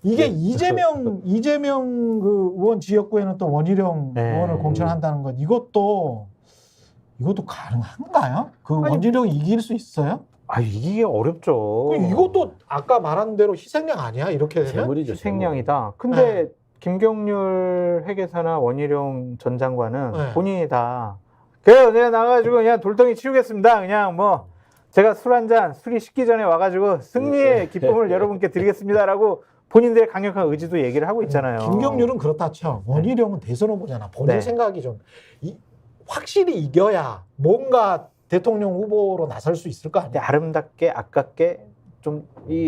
이게 이재명 그 의원 지역구에는 또 원희룡 네. 의원을 공천한다는 건 이것도 가능한가요? 그 아니, 원희룡이 이길 수 있어요? 이게 어렵죠. 이것도 아까 말한 대로 희생양 아니야? 이렇게 되면? 재물이죠. 희생양이다. 근데 김경률 회계사나 원희룡 전 장관은 네. 본인이 다 그래요. 내가 나가가지고 그냥 돌덩이 치우겠습니다. 그냥 뭐 제가 술 한 잔 술이 식기 전에 와가지고 승리의 기쁨을 여러분께 드리겠습니다라고 본인들의 강력한 의지도 얘기를 하고 있잖아요. 김경률은 그렇다 쳐. 원희룡은 대선 후보잖아. 본인 네. 생각이 좀 확실히 이겨야 뭔가 대통령 후보로 나설 수 있을 거 근데 아니야. 아름답게 아깝게 좀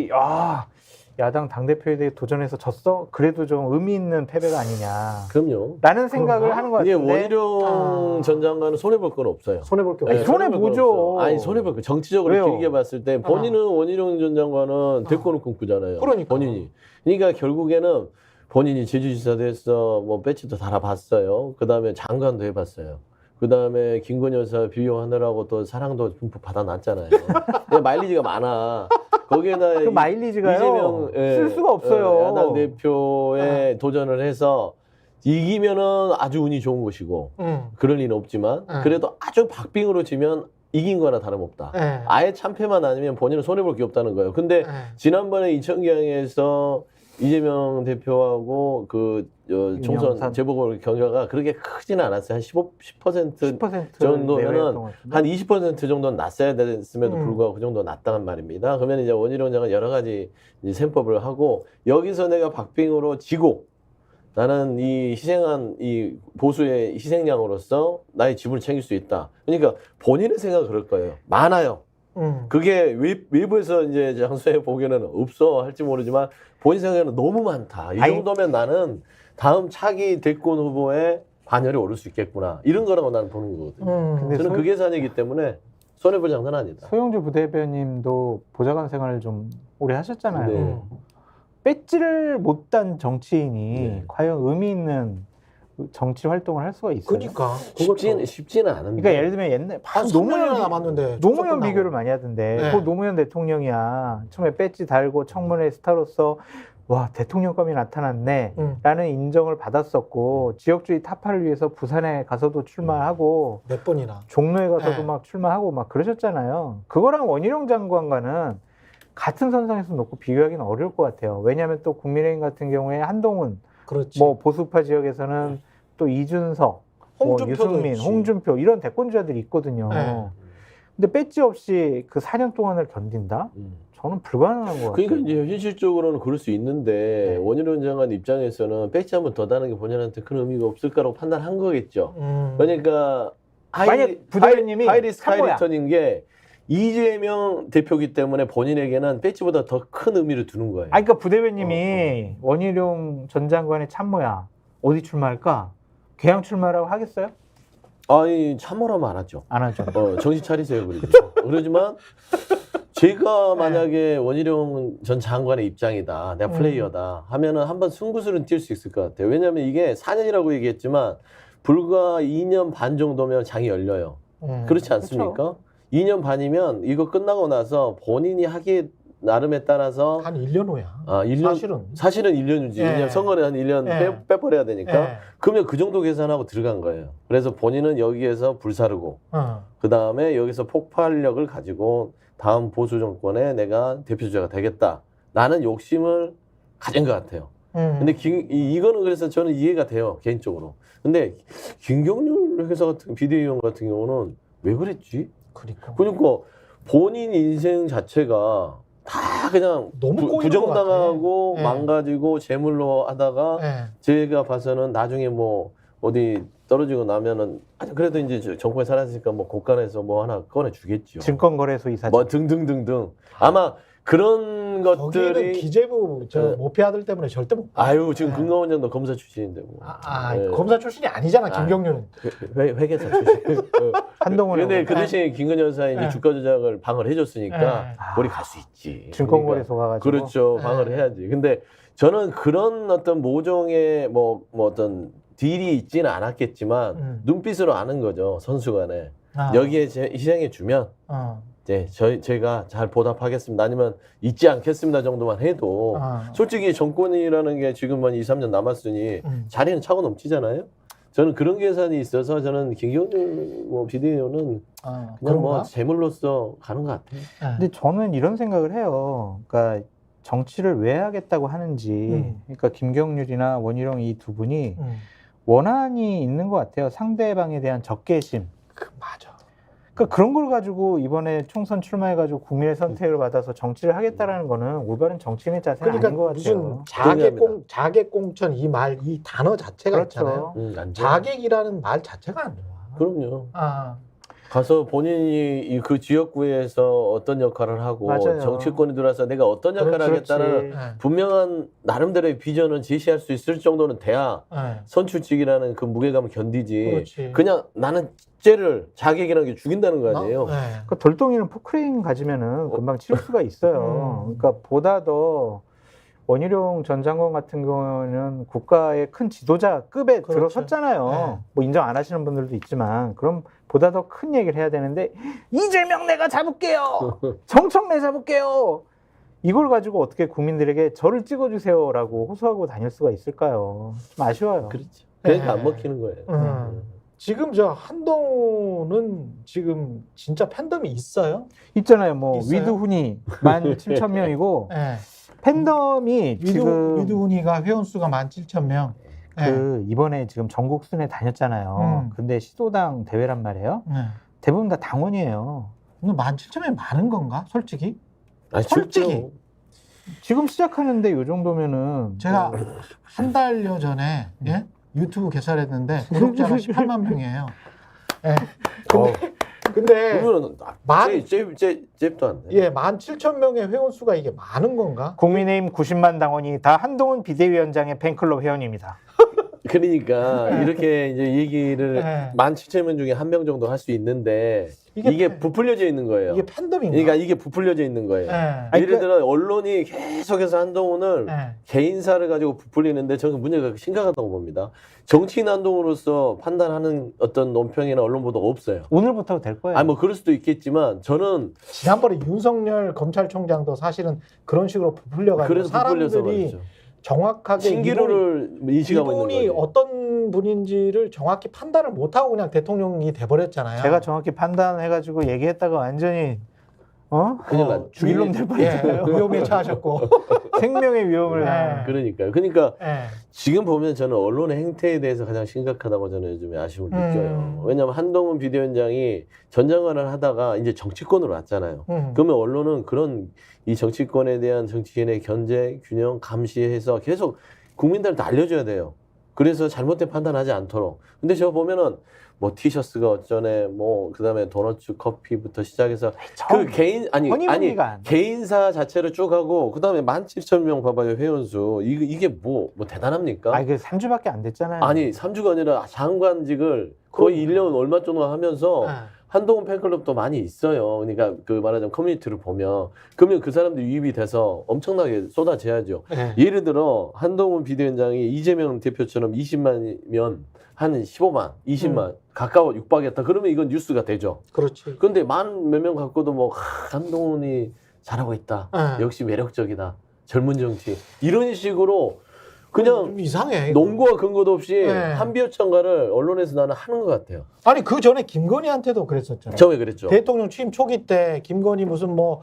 야당 당대표에 대해 도전해서 졌어? 그래도 좀 의미 있는 패배가 아니냐 그럼요. 라는 생각을 그런가? 하는 것 이게 같은데 원희룡 전 장관은 손해볼 건 없어요. 손해볼 게 아니, 없어. 손해보죠. 아니 손해볼 거. 정치적으로 왜요? 길게 봤을 때 본인은 원희룡 전 장관은 대권을 꿈꾸잖아요. 그러니까. 본인이. 그러니까 결국에는 본인이 제주지사도 했어. 뭐 배치도 달아봤어요. 그다음에 장관도 해봤어요. 그다음에 김건희 여사 비용하느라고 또 사랑도 듬뿍 받아놨잖아요. 마일리지가 많아. 거기에다 그 마일리지가요 이재명 쓸 수가 없어요. 야당 대표에 도전을 해서 이기면은 아주 운이 좋은 것이고 그럴 리는 없지만 그래도 아주 박빙으로 지면 이긴 거나 다름없다. 아예 참패만 아니면 본인은 손해볼 게 없다는 거예요. 근데 지난번에 이천경에서 이재명 대표하고 그 총선 재보궐 경과가 그렇게 크지는 않았어요. 한 10% 정도면은 한 20% 정도는 났어야 됐음에도 불구하고 그 정도 났다는 말입니다. 그러면 이제 원희룡 장관 여러 가지 이제 셈법을 하고 여기서 내가 박빙으로 지고 나는 이 희생한 이 보수의 희생양으로서 나의 지분을 챙길 수 있다. 그러니까 본인의 생각은 그럴 거예요. 많아요. 그게 외부에서 이제 장소에 보기에는 없어 할지 모르지만 본인 생각에는 너무 많다. 이 정도면 나는 다음 차기 대권 후보에 반열에 오를 수 있겠구나. 이런 거라고 나는 보는 거거든요. 근데 저는 그 계산이기 때문에 손해볼 장사는 아니다. 소영주 부대변님도 보좌관 생활을 좀 오래 하셨잖아요. 네. 배지를 못 단 정치인이 네. 과연 의미 있는 정치 활동을 할 수가 있어요. 그러니까 쉽지는 않은데. 그러니까 예를 들면 옛날 한 3년이나 남았는데 노무현 비교를 많이 하던데 네. 그 노무현 대통령이야. 처음에 배지 달고 청문회 스타로서 와 대통령감이 나타났네 라는 인정을 받았었고 지역주의 타파를 위해서 부산에 가서도 출마하고 몇 번이나 종로에 가서도 네. 막 출마하고 막 그러셨잖아요. 그거랑 원희룡 장관과는 같은 선상에서 놓고 비교하기는 어려울 것 같아요. 왜냐하면 또 국민의힘 같은 경우에 한동훈 그렇지. 뭐 보수파 지역에서는 또 이준석, 홍준표도 뭐 유승민, 있지. 홍준표 이런 대권주자들이 있거든요. 네. 근데 배지 없이 그 4년 동안을 견딘다? 저는 불가능한 것 같아요. 그러니까 이제 현실적으로는 그럴 수 있는데 네. 원희룡 장관 입장에서는 배지 한번 더 다는 게 본인한테 큰 의미가 없을까라고 판단한 거겠죠. 그러니까 만약 부대변님이 하이리스크 한 거야. 하이리턴인 게 이재명 대표기 때문에 본인에게는 배지보다 더 큰 의미를 두는 거예요. 그러니까 부대변님이 원희룡 전 장관의 참모야. 어디 출마할까? 개항 출마라고 하겠어요? 아니 참모라면 안 하죠. 안 하죠. 정신 차리세요 그러죠. 그러지만 제가 만약에 원희룡 전 장관의 입장이다, 내가 플레이어다 하면은 한번 승부수는 뛸 수 있을 것 같아요. 왜냐하면 이게 4년이라고 얘기했지만 불과 2년 반 정도면 장이 열려요. 그렇지 않습니까? 그렇죠. 2년 반이면 이거 끝나고 나서 본인이 하기 나름에 따라서 한 1년 후야. 1년, 사실은 1년 후지. 예. 왜냐면 선거를 한 1년 예. 빼버려야 되니까. 예. 그러면 그 정도 계산하고 들어간 거예요. 그래서 본인은 여기에서 불사르고 그 다음에 여기서 폭발력을 가지고 다음 보수 정권에 내가 대표주자가 되겠다라는 욕심을 가진 것 같아요. 근데 이거는 그래서 저는 이해가 돼요, 개인적으로. 근데 김경률 회사 같은 비대위원 같은 경우는 왜 그랬지? 그러니까 본인 인생 자체가 다 그냥 너무 꼬이는 부정당하고 것 같아. 망가지고 재물로 하다가 제가 봐서는 나중에 뭐 어디 떨어지고 나면은 그래도 이제 정권에 살았으니까 뭐 곳간에서 뭐 하나 꺼내 주겠죠. 증권거래소 이사장. 뭐 등등등등. 아마 그런 거기는 것들이 기재부 모피 아들 때문에 절대 못. 아유 지금 금감원장도 검사 출신인데 뭐. 네. 검사 출신이 아니잖아 김경률은. 회계사 출신. 한동훈. 근데 그 대신에 김건희 여사의 이제 주가 조작을 방어를 해줬으니까 우리 갈 수 있지. 증권거래소 가가지고. 그렇죠. 방어를 해야지. 근데 저는 그런 어떤 모종의 뭐 어떤 딜이 있지는 않았겠지만 눈빛으로 아는 거죠 선수간에. 여기에 희생해 주면 네, 제가 잘 보답하겠습니다. 아니면 잊지 않겠습니다 정도만 해도 솔직히 정권이라는 게 지금 한 2, 3년 남았으니 자리는 차고 넘치잖아요. 저는 그런 계산이 있어서 저는 김경률 뭐 비대위원은 그냥 뭐 재물로서 가는 것 같아요. 근데 저는 이런 생각을 해요. 그러니까 정치를 왜 하겠다고 하는지, 그러니까 김경률이나 원희룡 이 두 분이 원한이 있는 것 같아요. 상대방에 대한 적개심. 맞아. 그러니까 그런 걸 가지고 이번에 총선 출마해가지고 국민의 선택을 받아서 정치를 하겠다라는 거는 올바른 정치인의 자세는 그러니까 아닌 것 같아요. 무슨 자객공천 이 단어 자체가 그렇죠. 있잖아요. 자객이라는 말 자체가 안 좋아. 그럼요. 가서 본인이 그 지역구에서 어떤 역할을 하고 맞아요. 정치권에 들어와서 내가 어떤 역할을 하겠다는 분명한 나름대로의 비전을 제시할 수 있을 정도는 돼야 선출직이라는 그 무게감을 견디지. 그렇지. 그냥 나는 쟤를 자객이라는 게 죽인다는 거 아니에요. 그러니까 돌덩이는 포크레인 가지면은 금방 치울 수가 있어요. 그러니까 보다 더 원희룡 전 장관 같은 경우는 국가의 큰 지도자급에 들어섰잖아요. 뭐 인정 안 하시는 분들도 있지만 그럼 보다 더 큰 얘기를 해야 되는데 이재명 내가 잡을게요. 정청래 잡을게요. 이걸 가지고 어떻게 국민들에게 저를 찍어주세요라고 호소하고 다닐 수가 있을까요? 좀 아쉬워요. 그렇죠. 그러니까 안 먹히는 거예요. 지금 저 한동훈은 지금 진짜 팬덤이 있어요? 있잖아요. 뭐 있어요? 위드훈이 17,000명이고 팬덤이 지금 위드훈이가 회원수가 17,000명. 그 이번에 지금 전국 순회 다녔잖아요. 근데 시도당 대회란 말이에요. 대부분 다 당원이에요. 근데 17,000명이 많은 건가? 솔직히? 아니, 솔직히. 지금 시작하는데 이 정도면은 제가 한 달여 전에 유튜브 개설했는데 구독자가 18만 명이에요. 근데 그러면 잽도 안 돼. 17,000명의 회원수가 이게 많은 건가? 국민의힘 90만 당원이 다 한동훈 비대위원장의 팬클럽 회원입니다. 그러니까 이렇게 이제 얘기를 17,000명 중에 한 명 정도 할 수 있는데 이게 부풀려져 있는 거예요. 이게 팬덤인가? 그러니까 이게 부풀려져 있는 거예요. 예를 들어 언론이 계속해서 한동훈을 개인사를 가지고 부풀리는데 저는 문제가 심각하다고 봅니다. 정치인 한동훈으로서 판단하는 어떤 논평이나 언론 보도가 없어요. 오늘부터 될 거예요. 아니 뭐 그럴 수도 있겠지만 저는 지난번에 윤석열 검찰총장도 사실은 그런 식으로 부풀려가지고 그래서 부풀려서 사람들이 말이죠. 정확하게 신기루를 인식하고 있는 이분이 거죠. 어떤 분인지를 정확히 판단을 못하고 그냥 대통령이 돼버렸잖아요. 제가 정확히 판단해가지고 얘기했다가 완전히 큰일 났죠. 죽일 놈 될 뻔했어요. 위험에 처하셨고 생명의 위험을 그러니까요. 그러니까 지금 보면 저는 언론의 행태에 대해서 가장 심각하다고 저는 요즘에 아쉬움을 느껴요. 왜냐하면 한동훈 비대위원장이 전 장관을 하다가 이제 정치권으로 왔잖아요. 그러면 언론은 그런 이 정치권에 대한 정치인의 견제, 균형, 감시해서 계속 국민들한테 알려줘야 돼요. 그래서 잘못된 판단하지 않도록. 근데 저 보면은 뭐 티셔츠가 어쩌네, 뭐 그다음에 도너츠 커피부터 시작해서 그 개인 아니 개인사 자체를 쭉 하고 그다음에 17,000명 봐봐요 회원수 이게 뭐 대단합니까? 아니 그 3주밖에 안 됐잖아요. 아니 3주가 아니라 장관직을 거의 1년 얼마 정도 하면서 한동훈 팬클럽도 많이 있어요. 그러니까 그 말하자면 커뮤니티를 보면 그러면 그 사람들 유입이 돼서 엄청나게 쏟아져야죠. 예를 들어 한동훈 비대위원장이 이재명 대표처럼 20만이면 한 15만, 20만 가까워 육박했다. 그러면 이건 뉴스가 되죠. 그렇지. 그런데 만 몇 명 갖고도 뭐 한동훈이 잘하고 있다. 역시 매력적이다. 젊은 정치. 이런 식으로 그냥 좀 이상해. 논거와 근거도 없이 한비호천가를 언론에서 나는 하는 것 같아요. 아니 그 전에 김건희한테도 그랬었잖아요. 처음에 그랬죠. 대통령 취임 초기 때 김건희 무슨 뭐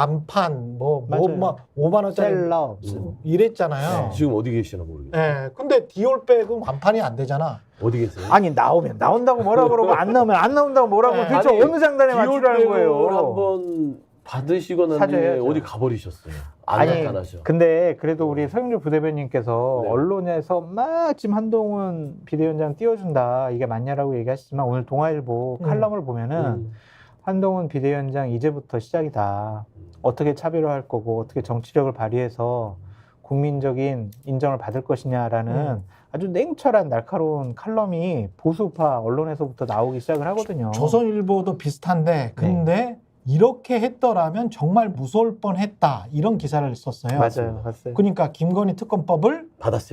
완판 뭐 5만 원짜리 셀럽 이랬잖아요. 지금 어디 계시나 모르겠어요. 근데 디올백은 완판이 안 되잖아. 어디 계세요? 아니 나온다고 뭐라 그러고 안 나오면 안 나온다고 뭐라고 도대체 아니, 어느 장단에 맞추라는 거예요. 한번 받으시고 난 뒤에 어디 가버리셨어요. 안 나타나셔. 근데 그래도 우리 서영주 부대변인께서 언론에서 막 지금 한동훈 비대위원장 띄워준다 이게 맞냐라고 얘기하시지만 오늘 동아일보 칼럼을 보면은 한동훈 비대위원장 이제부터 시작이다. 어떻게 차별화할 거고 어떻게 정치력을 발휘해서 국민적인 인정을 받을 것이냐라는 아주 냉철한 날카로운 칼럼이 보수파 언론에서부터 나오기 시작을 하거든요. 조선일보도 비슷한데 근데 이렇게 했더라면 정말 무서울 뻔했다 이런 기사를 썼어요. 맞아요. 봤어요. 그러니까 김건희 특검법을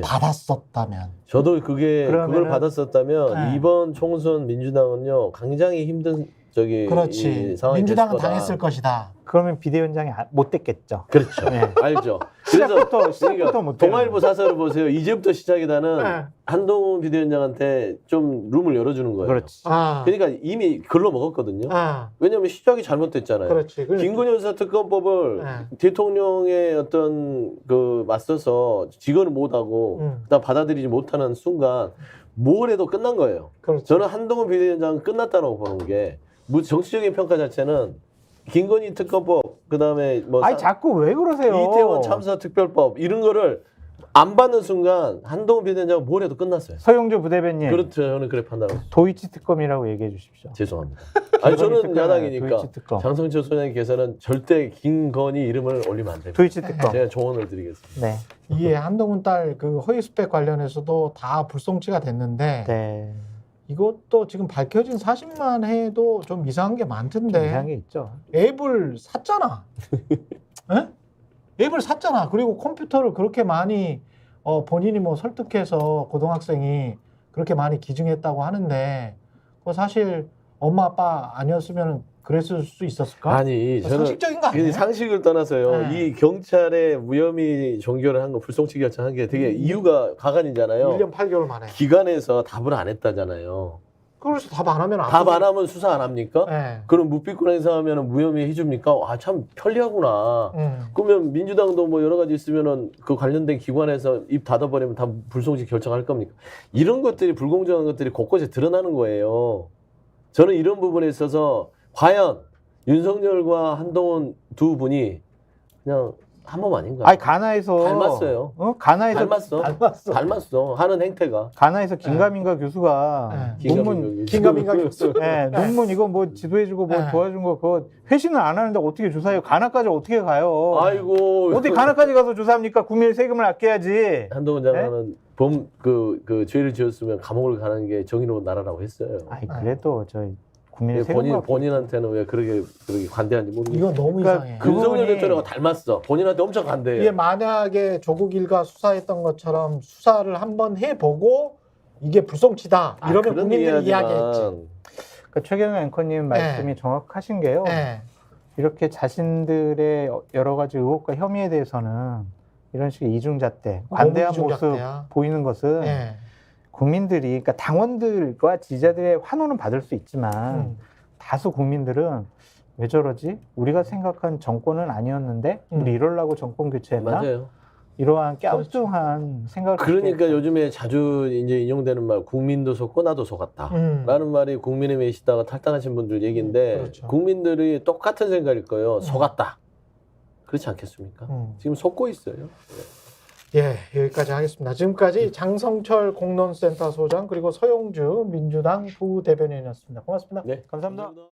받았었다면 저도 그걸 받았었다면 이번 총선 민주당은요 굉장히 힘든 저기 그렇지. 이 상황이 민주당은 됐을 거다. 당했을 것이다. 그러면 비대위원장이 못 됐겠죠. 그렇죠. 네. 알죠. 시작부터 그러니까 못 되는 동아일보 사설을 보세요. 이제부터 시작이다는 네. 한동훈 비대위원장한테 좀 룸을 열어주는 거예요. 그렇지. 아, 그러니까 이미 글로 먹었거든요. 아, 왜냐하면 시작이 잘못됐잖아요. 그렇지. 김건희 여사 특검법을 네. 대통령의 어떤 그 맞서서 직언을 못하고 그다음 받아들이지 못하는 순간 뭘 해도 끝난 거예요. 그렇지. 저는 한동훈 비대위원장은 끝났다고 보는 게 정치적인 평가 자체는 김건희 특검법 그다음에 뭐 아니 자꾸 왜 그러세요? 이태원 참사 특별법 이런 거를 안 받는 순간 한동훈 비대위원장은 뭘 해도 끝났어요. 서영주 부대변인. 그렇죠. 저는 그래 판단하고 있습니다. 도이치 특검이라고 얘기해 주십시오. 죄송합니다. 아니 저는 특검, 야당이니까 도이치 특검. 장성철 소장님께서는 절대 김건희 이름을 올리면 안 됩니다. 도이치 특검. 제가 조언을 드리겠습니다. 네. 이게 한동훈 딸 그 허위 스펙 관련해서도 다 불송치가 됐는데 네. 이것도 지금 밝혀진 사실만 해도 좀 이상한 게 많던데 이상한 게 있죠. 앱을 샀잖아. 에? 앱을 샀잖아. 그리고 컴퓨터를 그렇게 많이 본인이 뭐 설득해서 고등학생이 그렇게 많이 기증했다고 하는데 그거 사실 엄마 아빠 아니었으면 그랬을 수 있었을까? 아니 저는 상식적인 거 아니에요? 상식을 떠나서요. 네. 이 경찰의 무혐의 종결을 한 거 불송치 결정한 게 되게 이유가 가관이잖아요. 1년 8개월 만에. 기관에서 답을 안 했다잖아요. 그래서 답 안 하면 답 안 하면 수사 안 합니까? 네. 그럼 묵비권 행사하면 무혐의 해줍니까? 아 참 편리하구나. 그러면 민주당도 뭐 여러 가지 있으면은 그 관련된 기관에서 입 닫아버리면 다 불송치 결정할 겁니까? 이런 것들이 불공정한 것들이 곳곳에 드러나는 거예요. 저는 이런 부분에 있어서 과연 윤석열과 한동훈 두 분이 그냥 한 몸 아닌가? 아니 가나에서 닮았어요. 가나에서 닮았어. 하는 행태가. 가나에서 김가민가 교수가 논문 긴가민가 교수. 네, 논문 이거 뭐 지도해주고 뭐 네. 도와준 거 그거 회신을 안 하는데 어떻게 조사해요? 가나까지 어떻게 가요? 아이고. 어디 가나까지 가서 조사합니까? 국민의 세금을 아껴야지. 한동훈 장관은 그 죄를 지었으면 감옥을 가는 게 정의로운 나라라고 했어요. 아니 그래도 저희 국민의 세금 본인한테는 왜 그렇게 관대한지 모르겠어요. 이건 너무 그러니까 이상해. 그 윤석열 부분이- 대통령과 닮았어. 본인한테 엄청 관대해요. 이게 만약에 조국 일가 수사했던 것처럼 수사를 한번 해보고 이게 불송치다 이러면 그런 국민들이 이야기만. 이야기했지. 그러니까 최경영 앵커님 말씀이 정확하신 게요. 네. 이렇게 자신들의 여러 가지 의혹과 혐의에 대해서는 이런 식의 이중잣대, 관대한 너무 모습 이중잣대야. 보이는 것은 네. 국민들이, 그러니까 당원들과 지지자들의 환호는 받을 수 있지만 다수 국민들은 왜 저러지? 우리가 생각한 정권은 아니었는데 우리 이러려고 정권 교체했나? 맞아요. 이러한 갸우뚱한 생각을 그러니까 갖게 요즘에 자주 이제 인용되는 말, 국민도 속고 나도 속았다. 라는 말이 국민의힘에 계시다가 탈당하신 분들 얘기인데 그렇죠. 국민들이 똑같은 생각일 거예요. 속았다. 그렇지 않겠습니까? 지금 속고 있어요. 예, 여기까지 하겠습니다. 지금까지 장성철 공론센터 소장 그리고 서용주 민주당 부대변인이었습니다. 고맙습니다. 네. 감사합니다.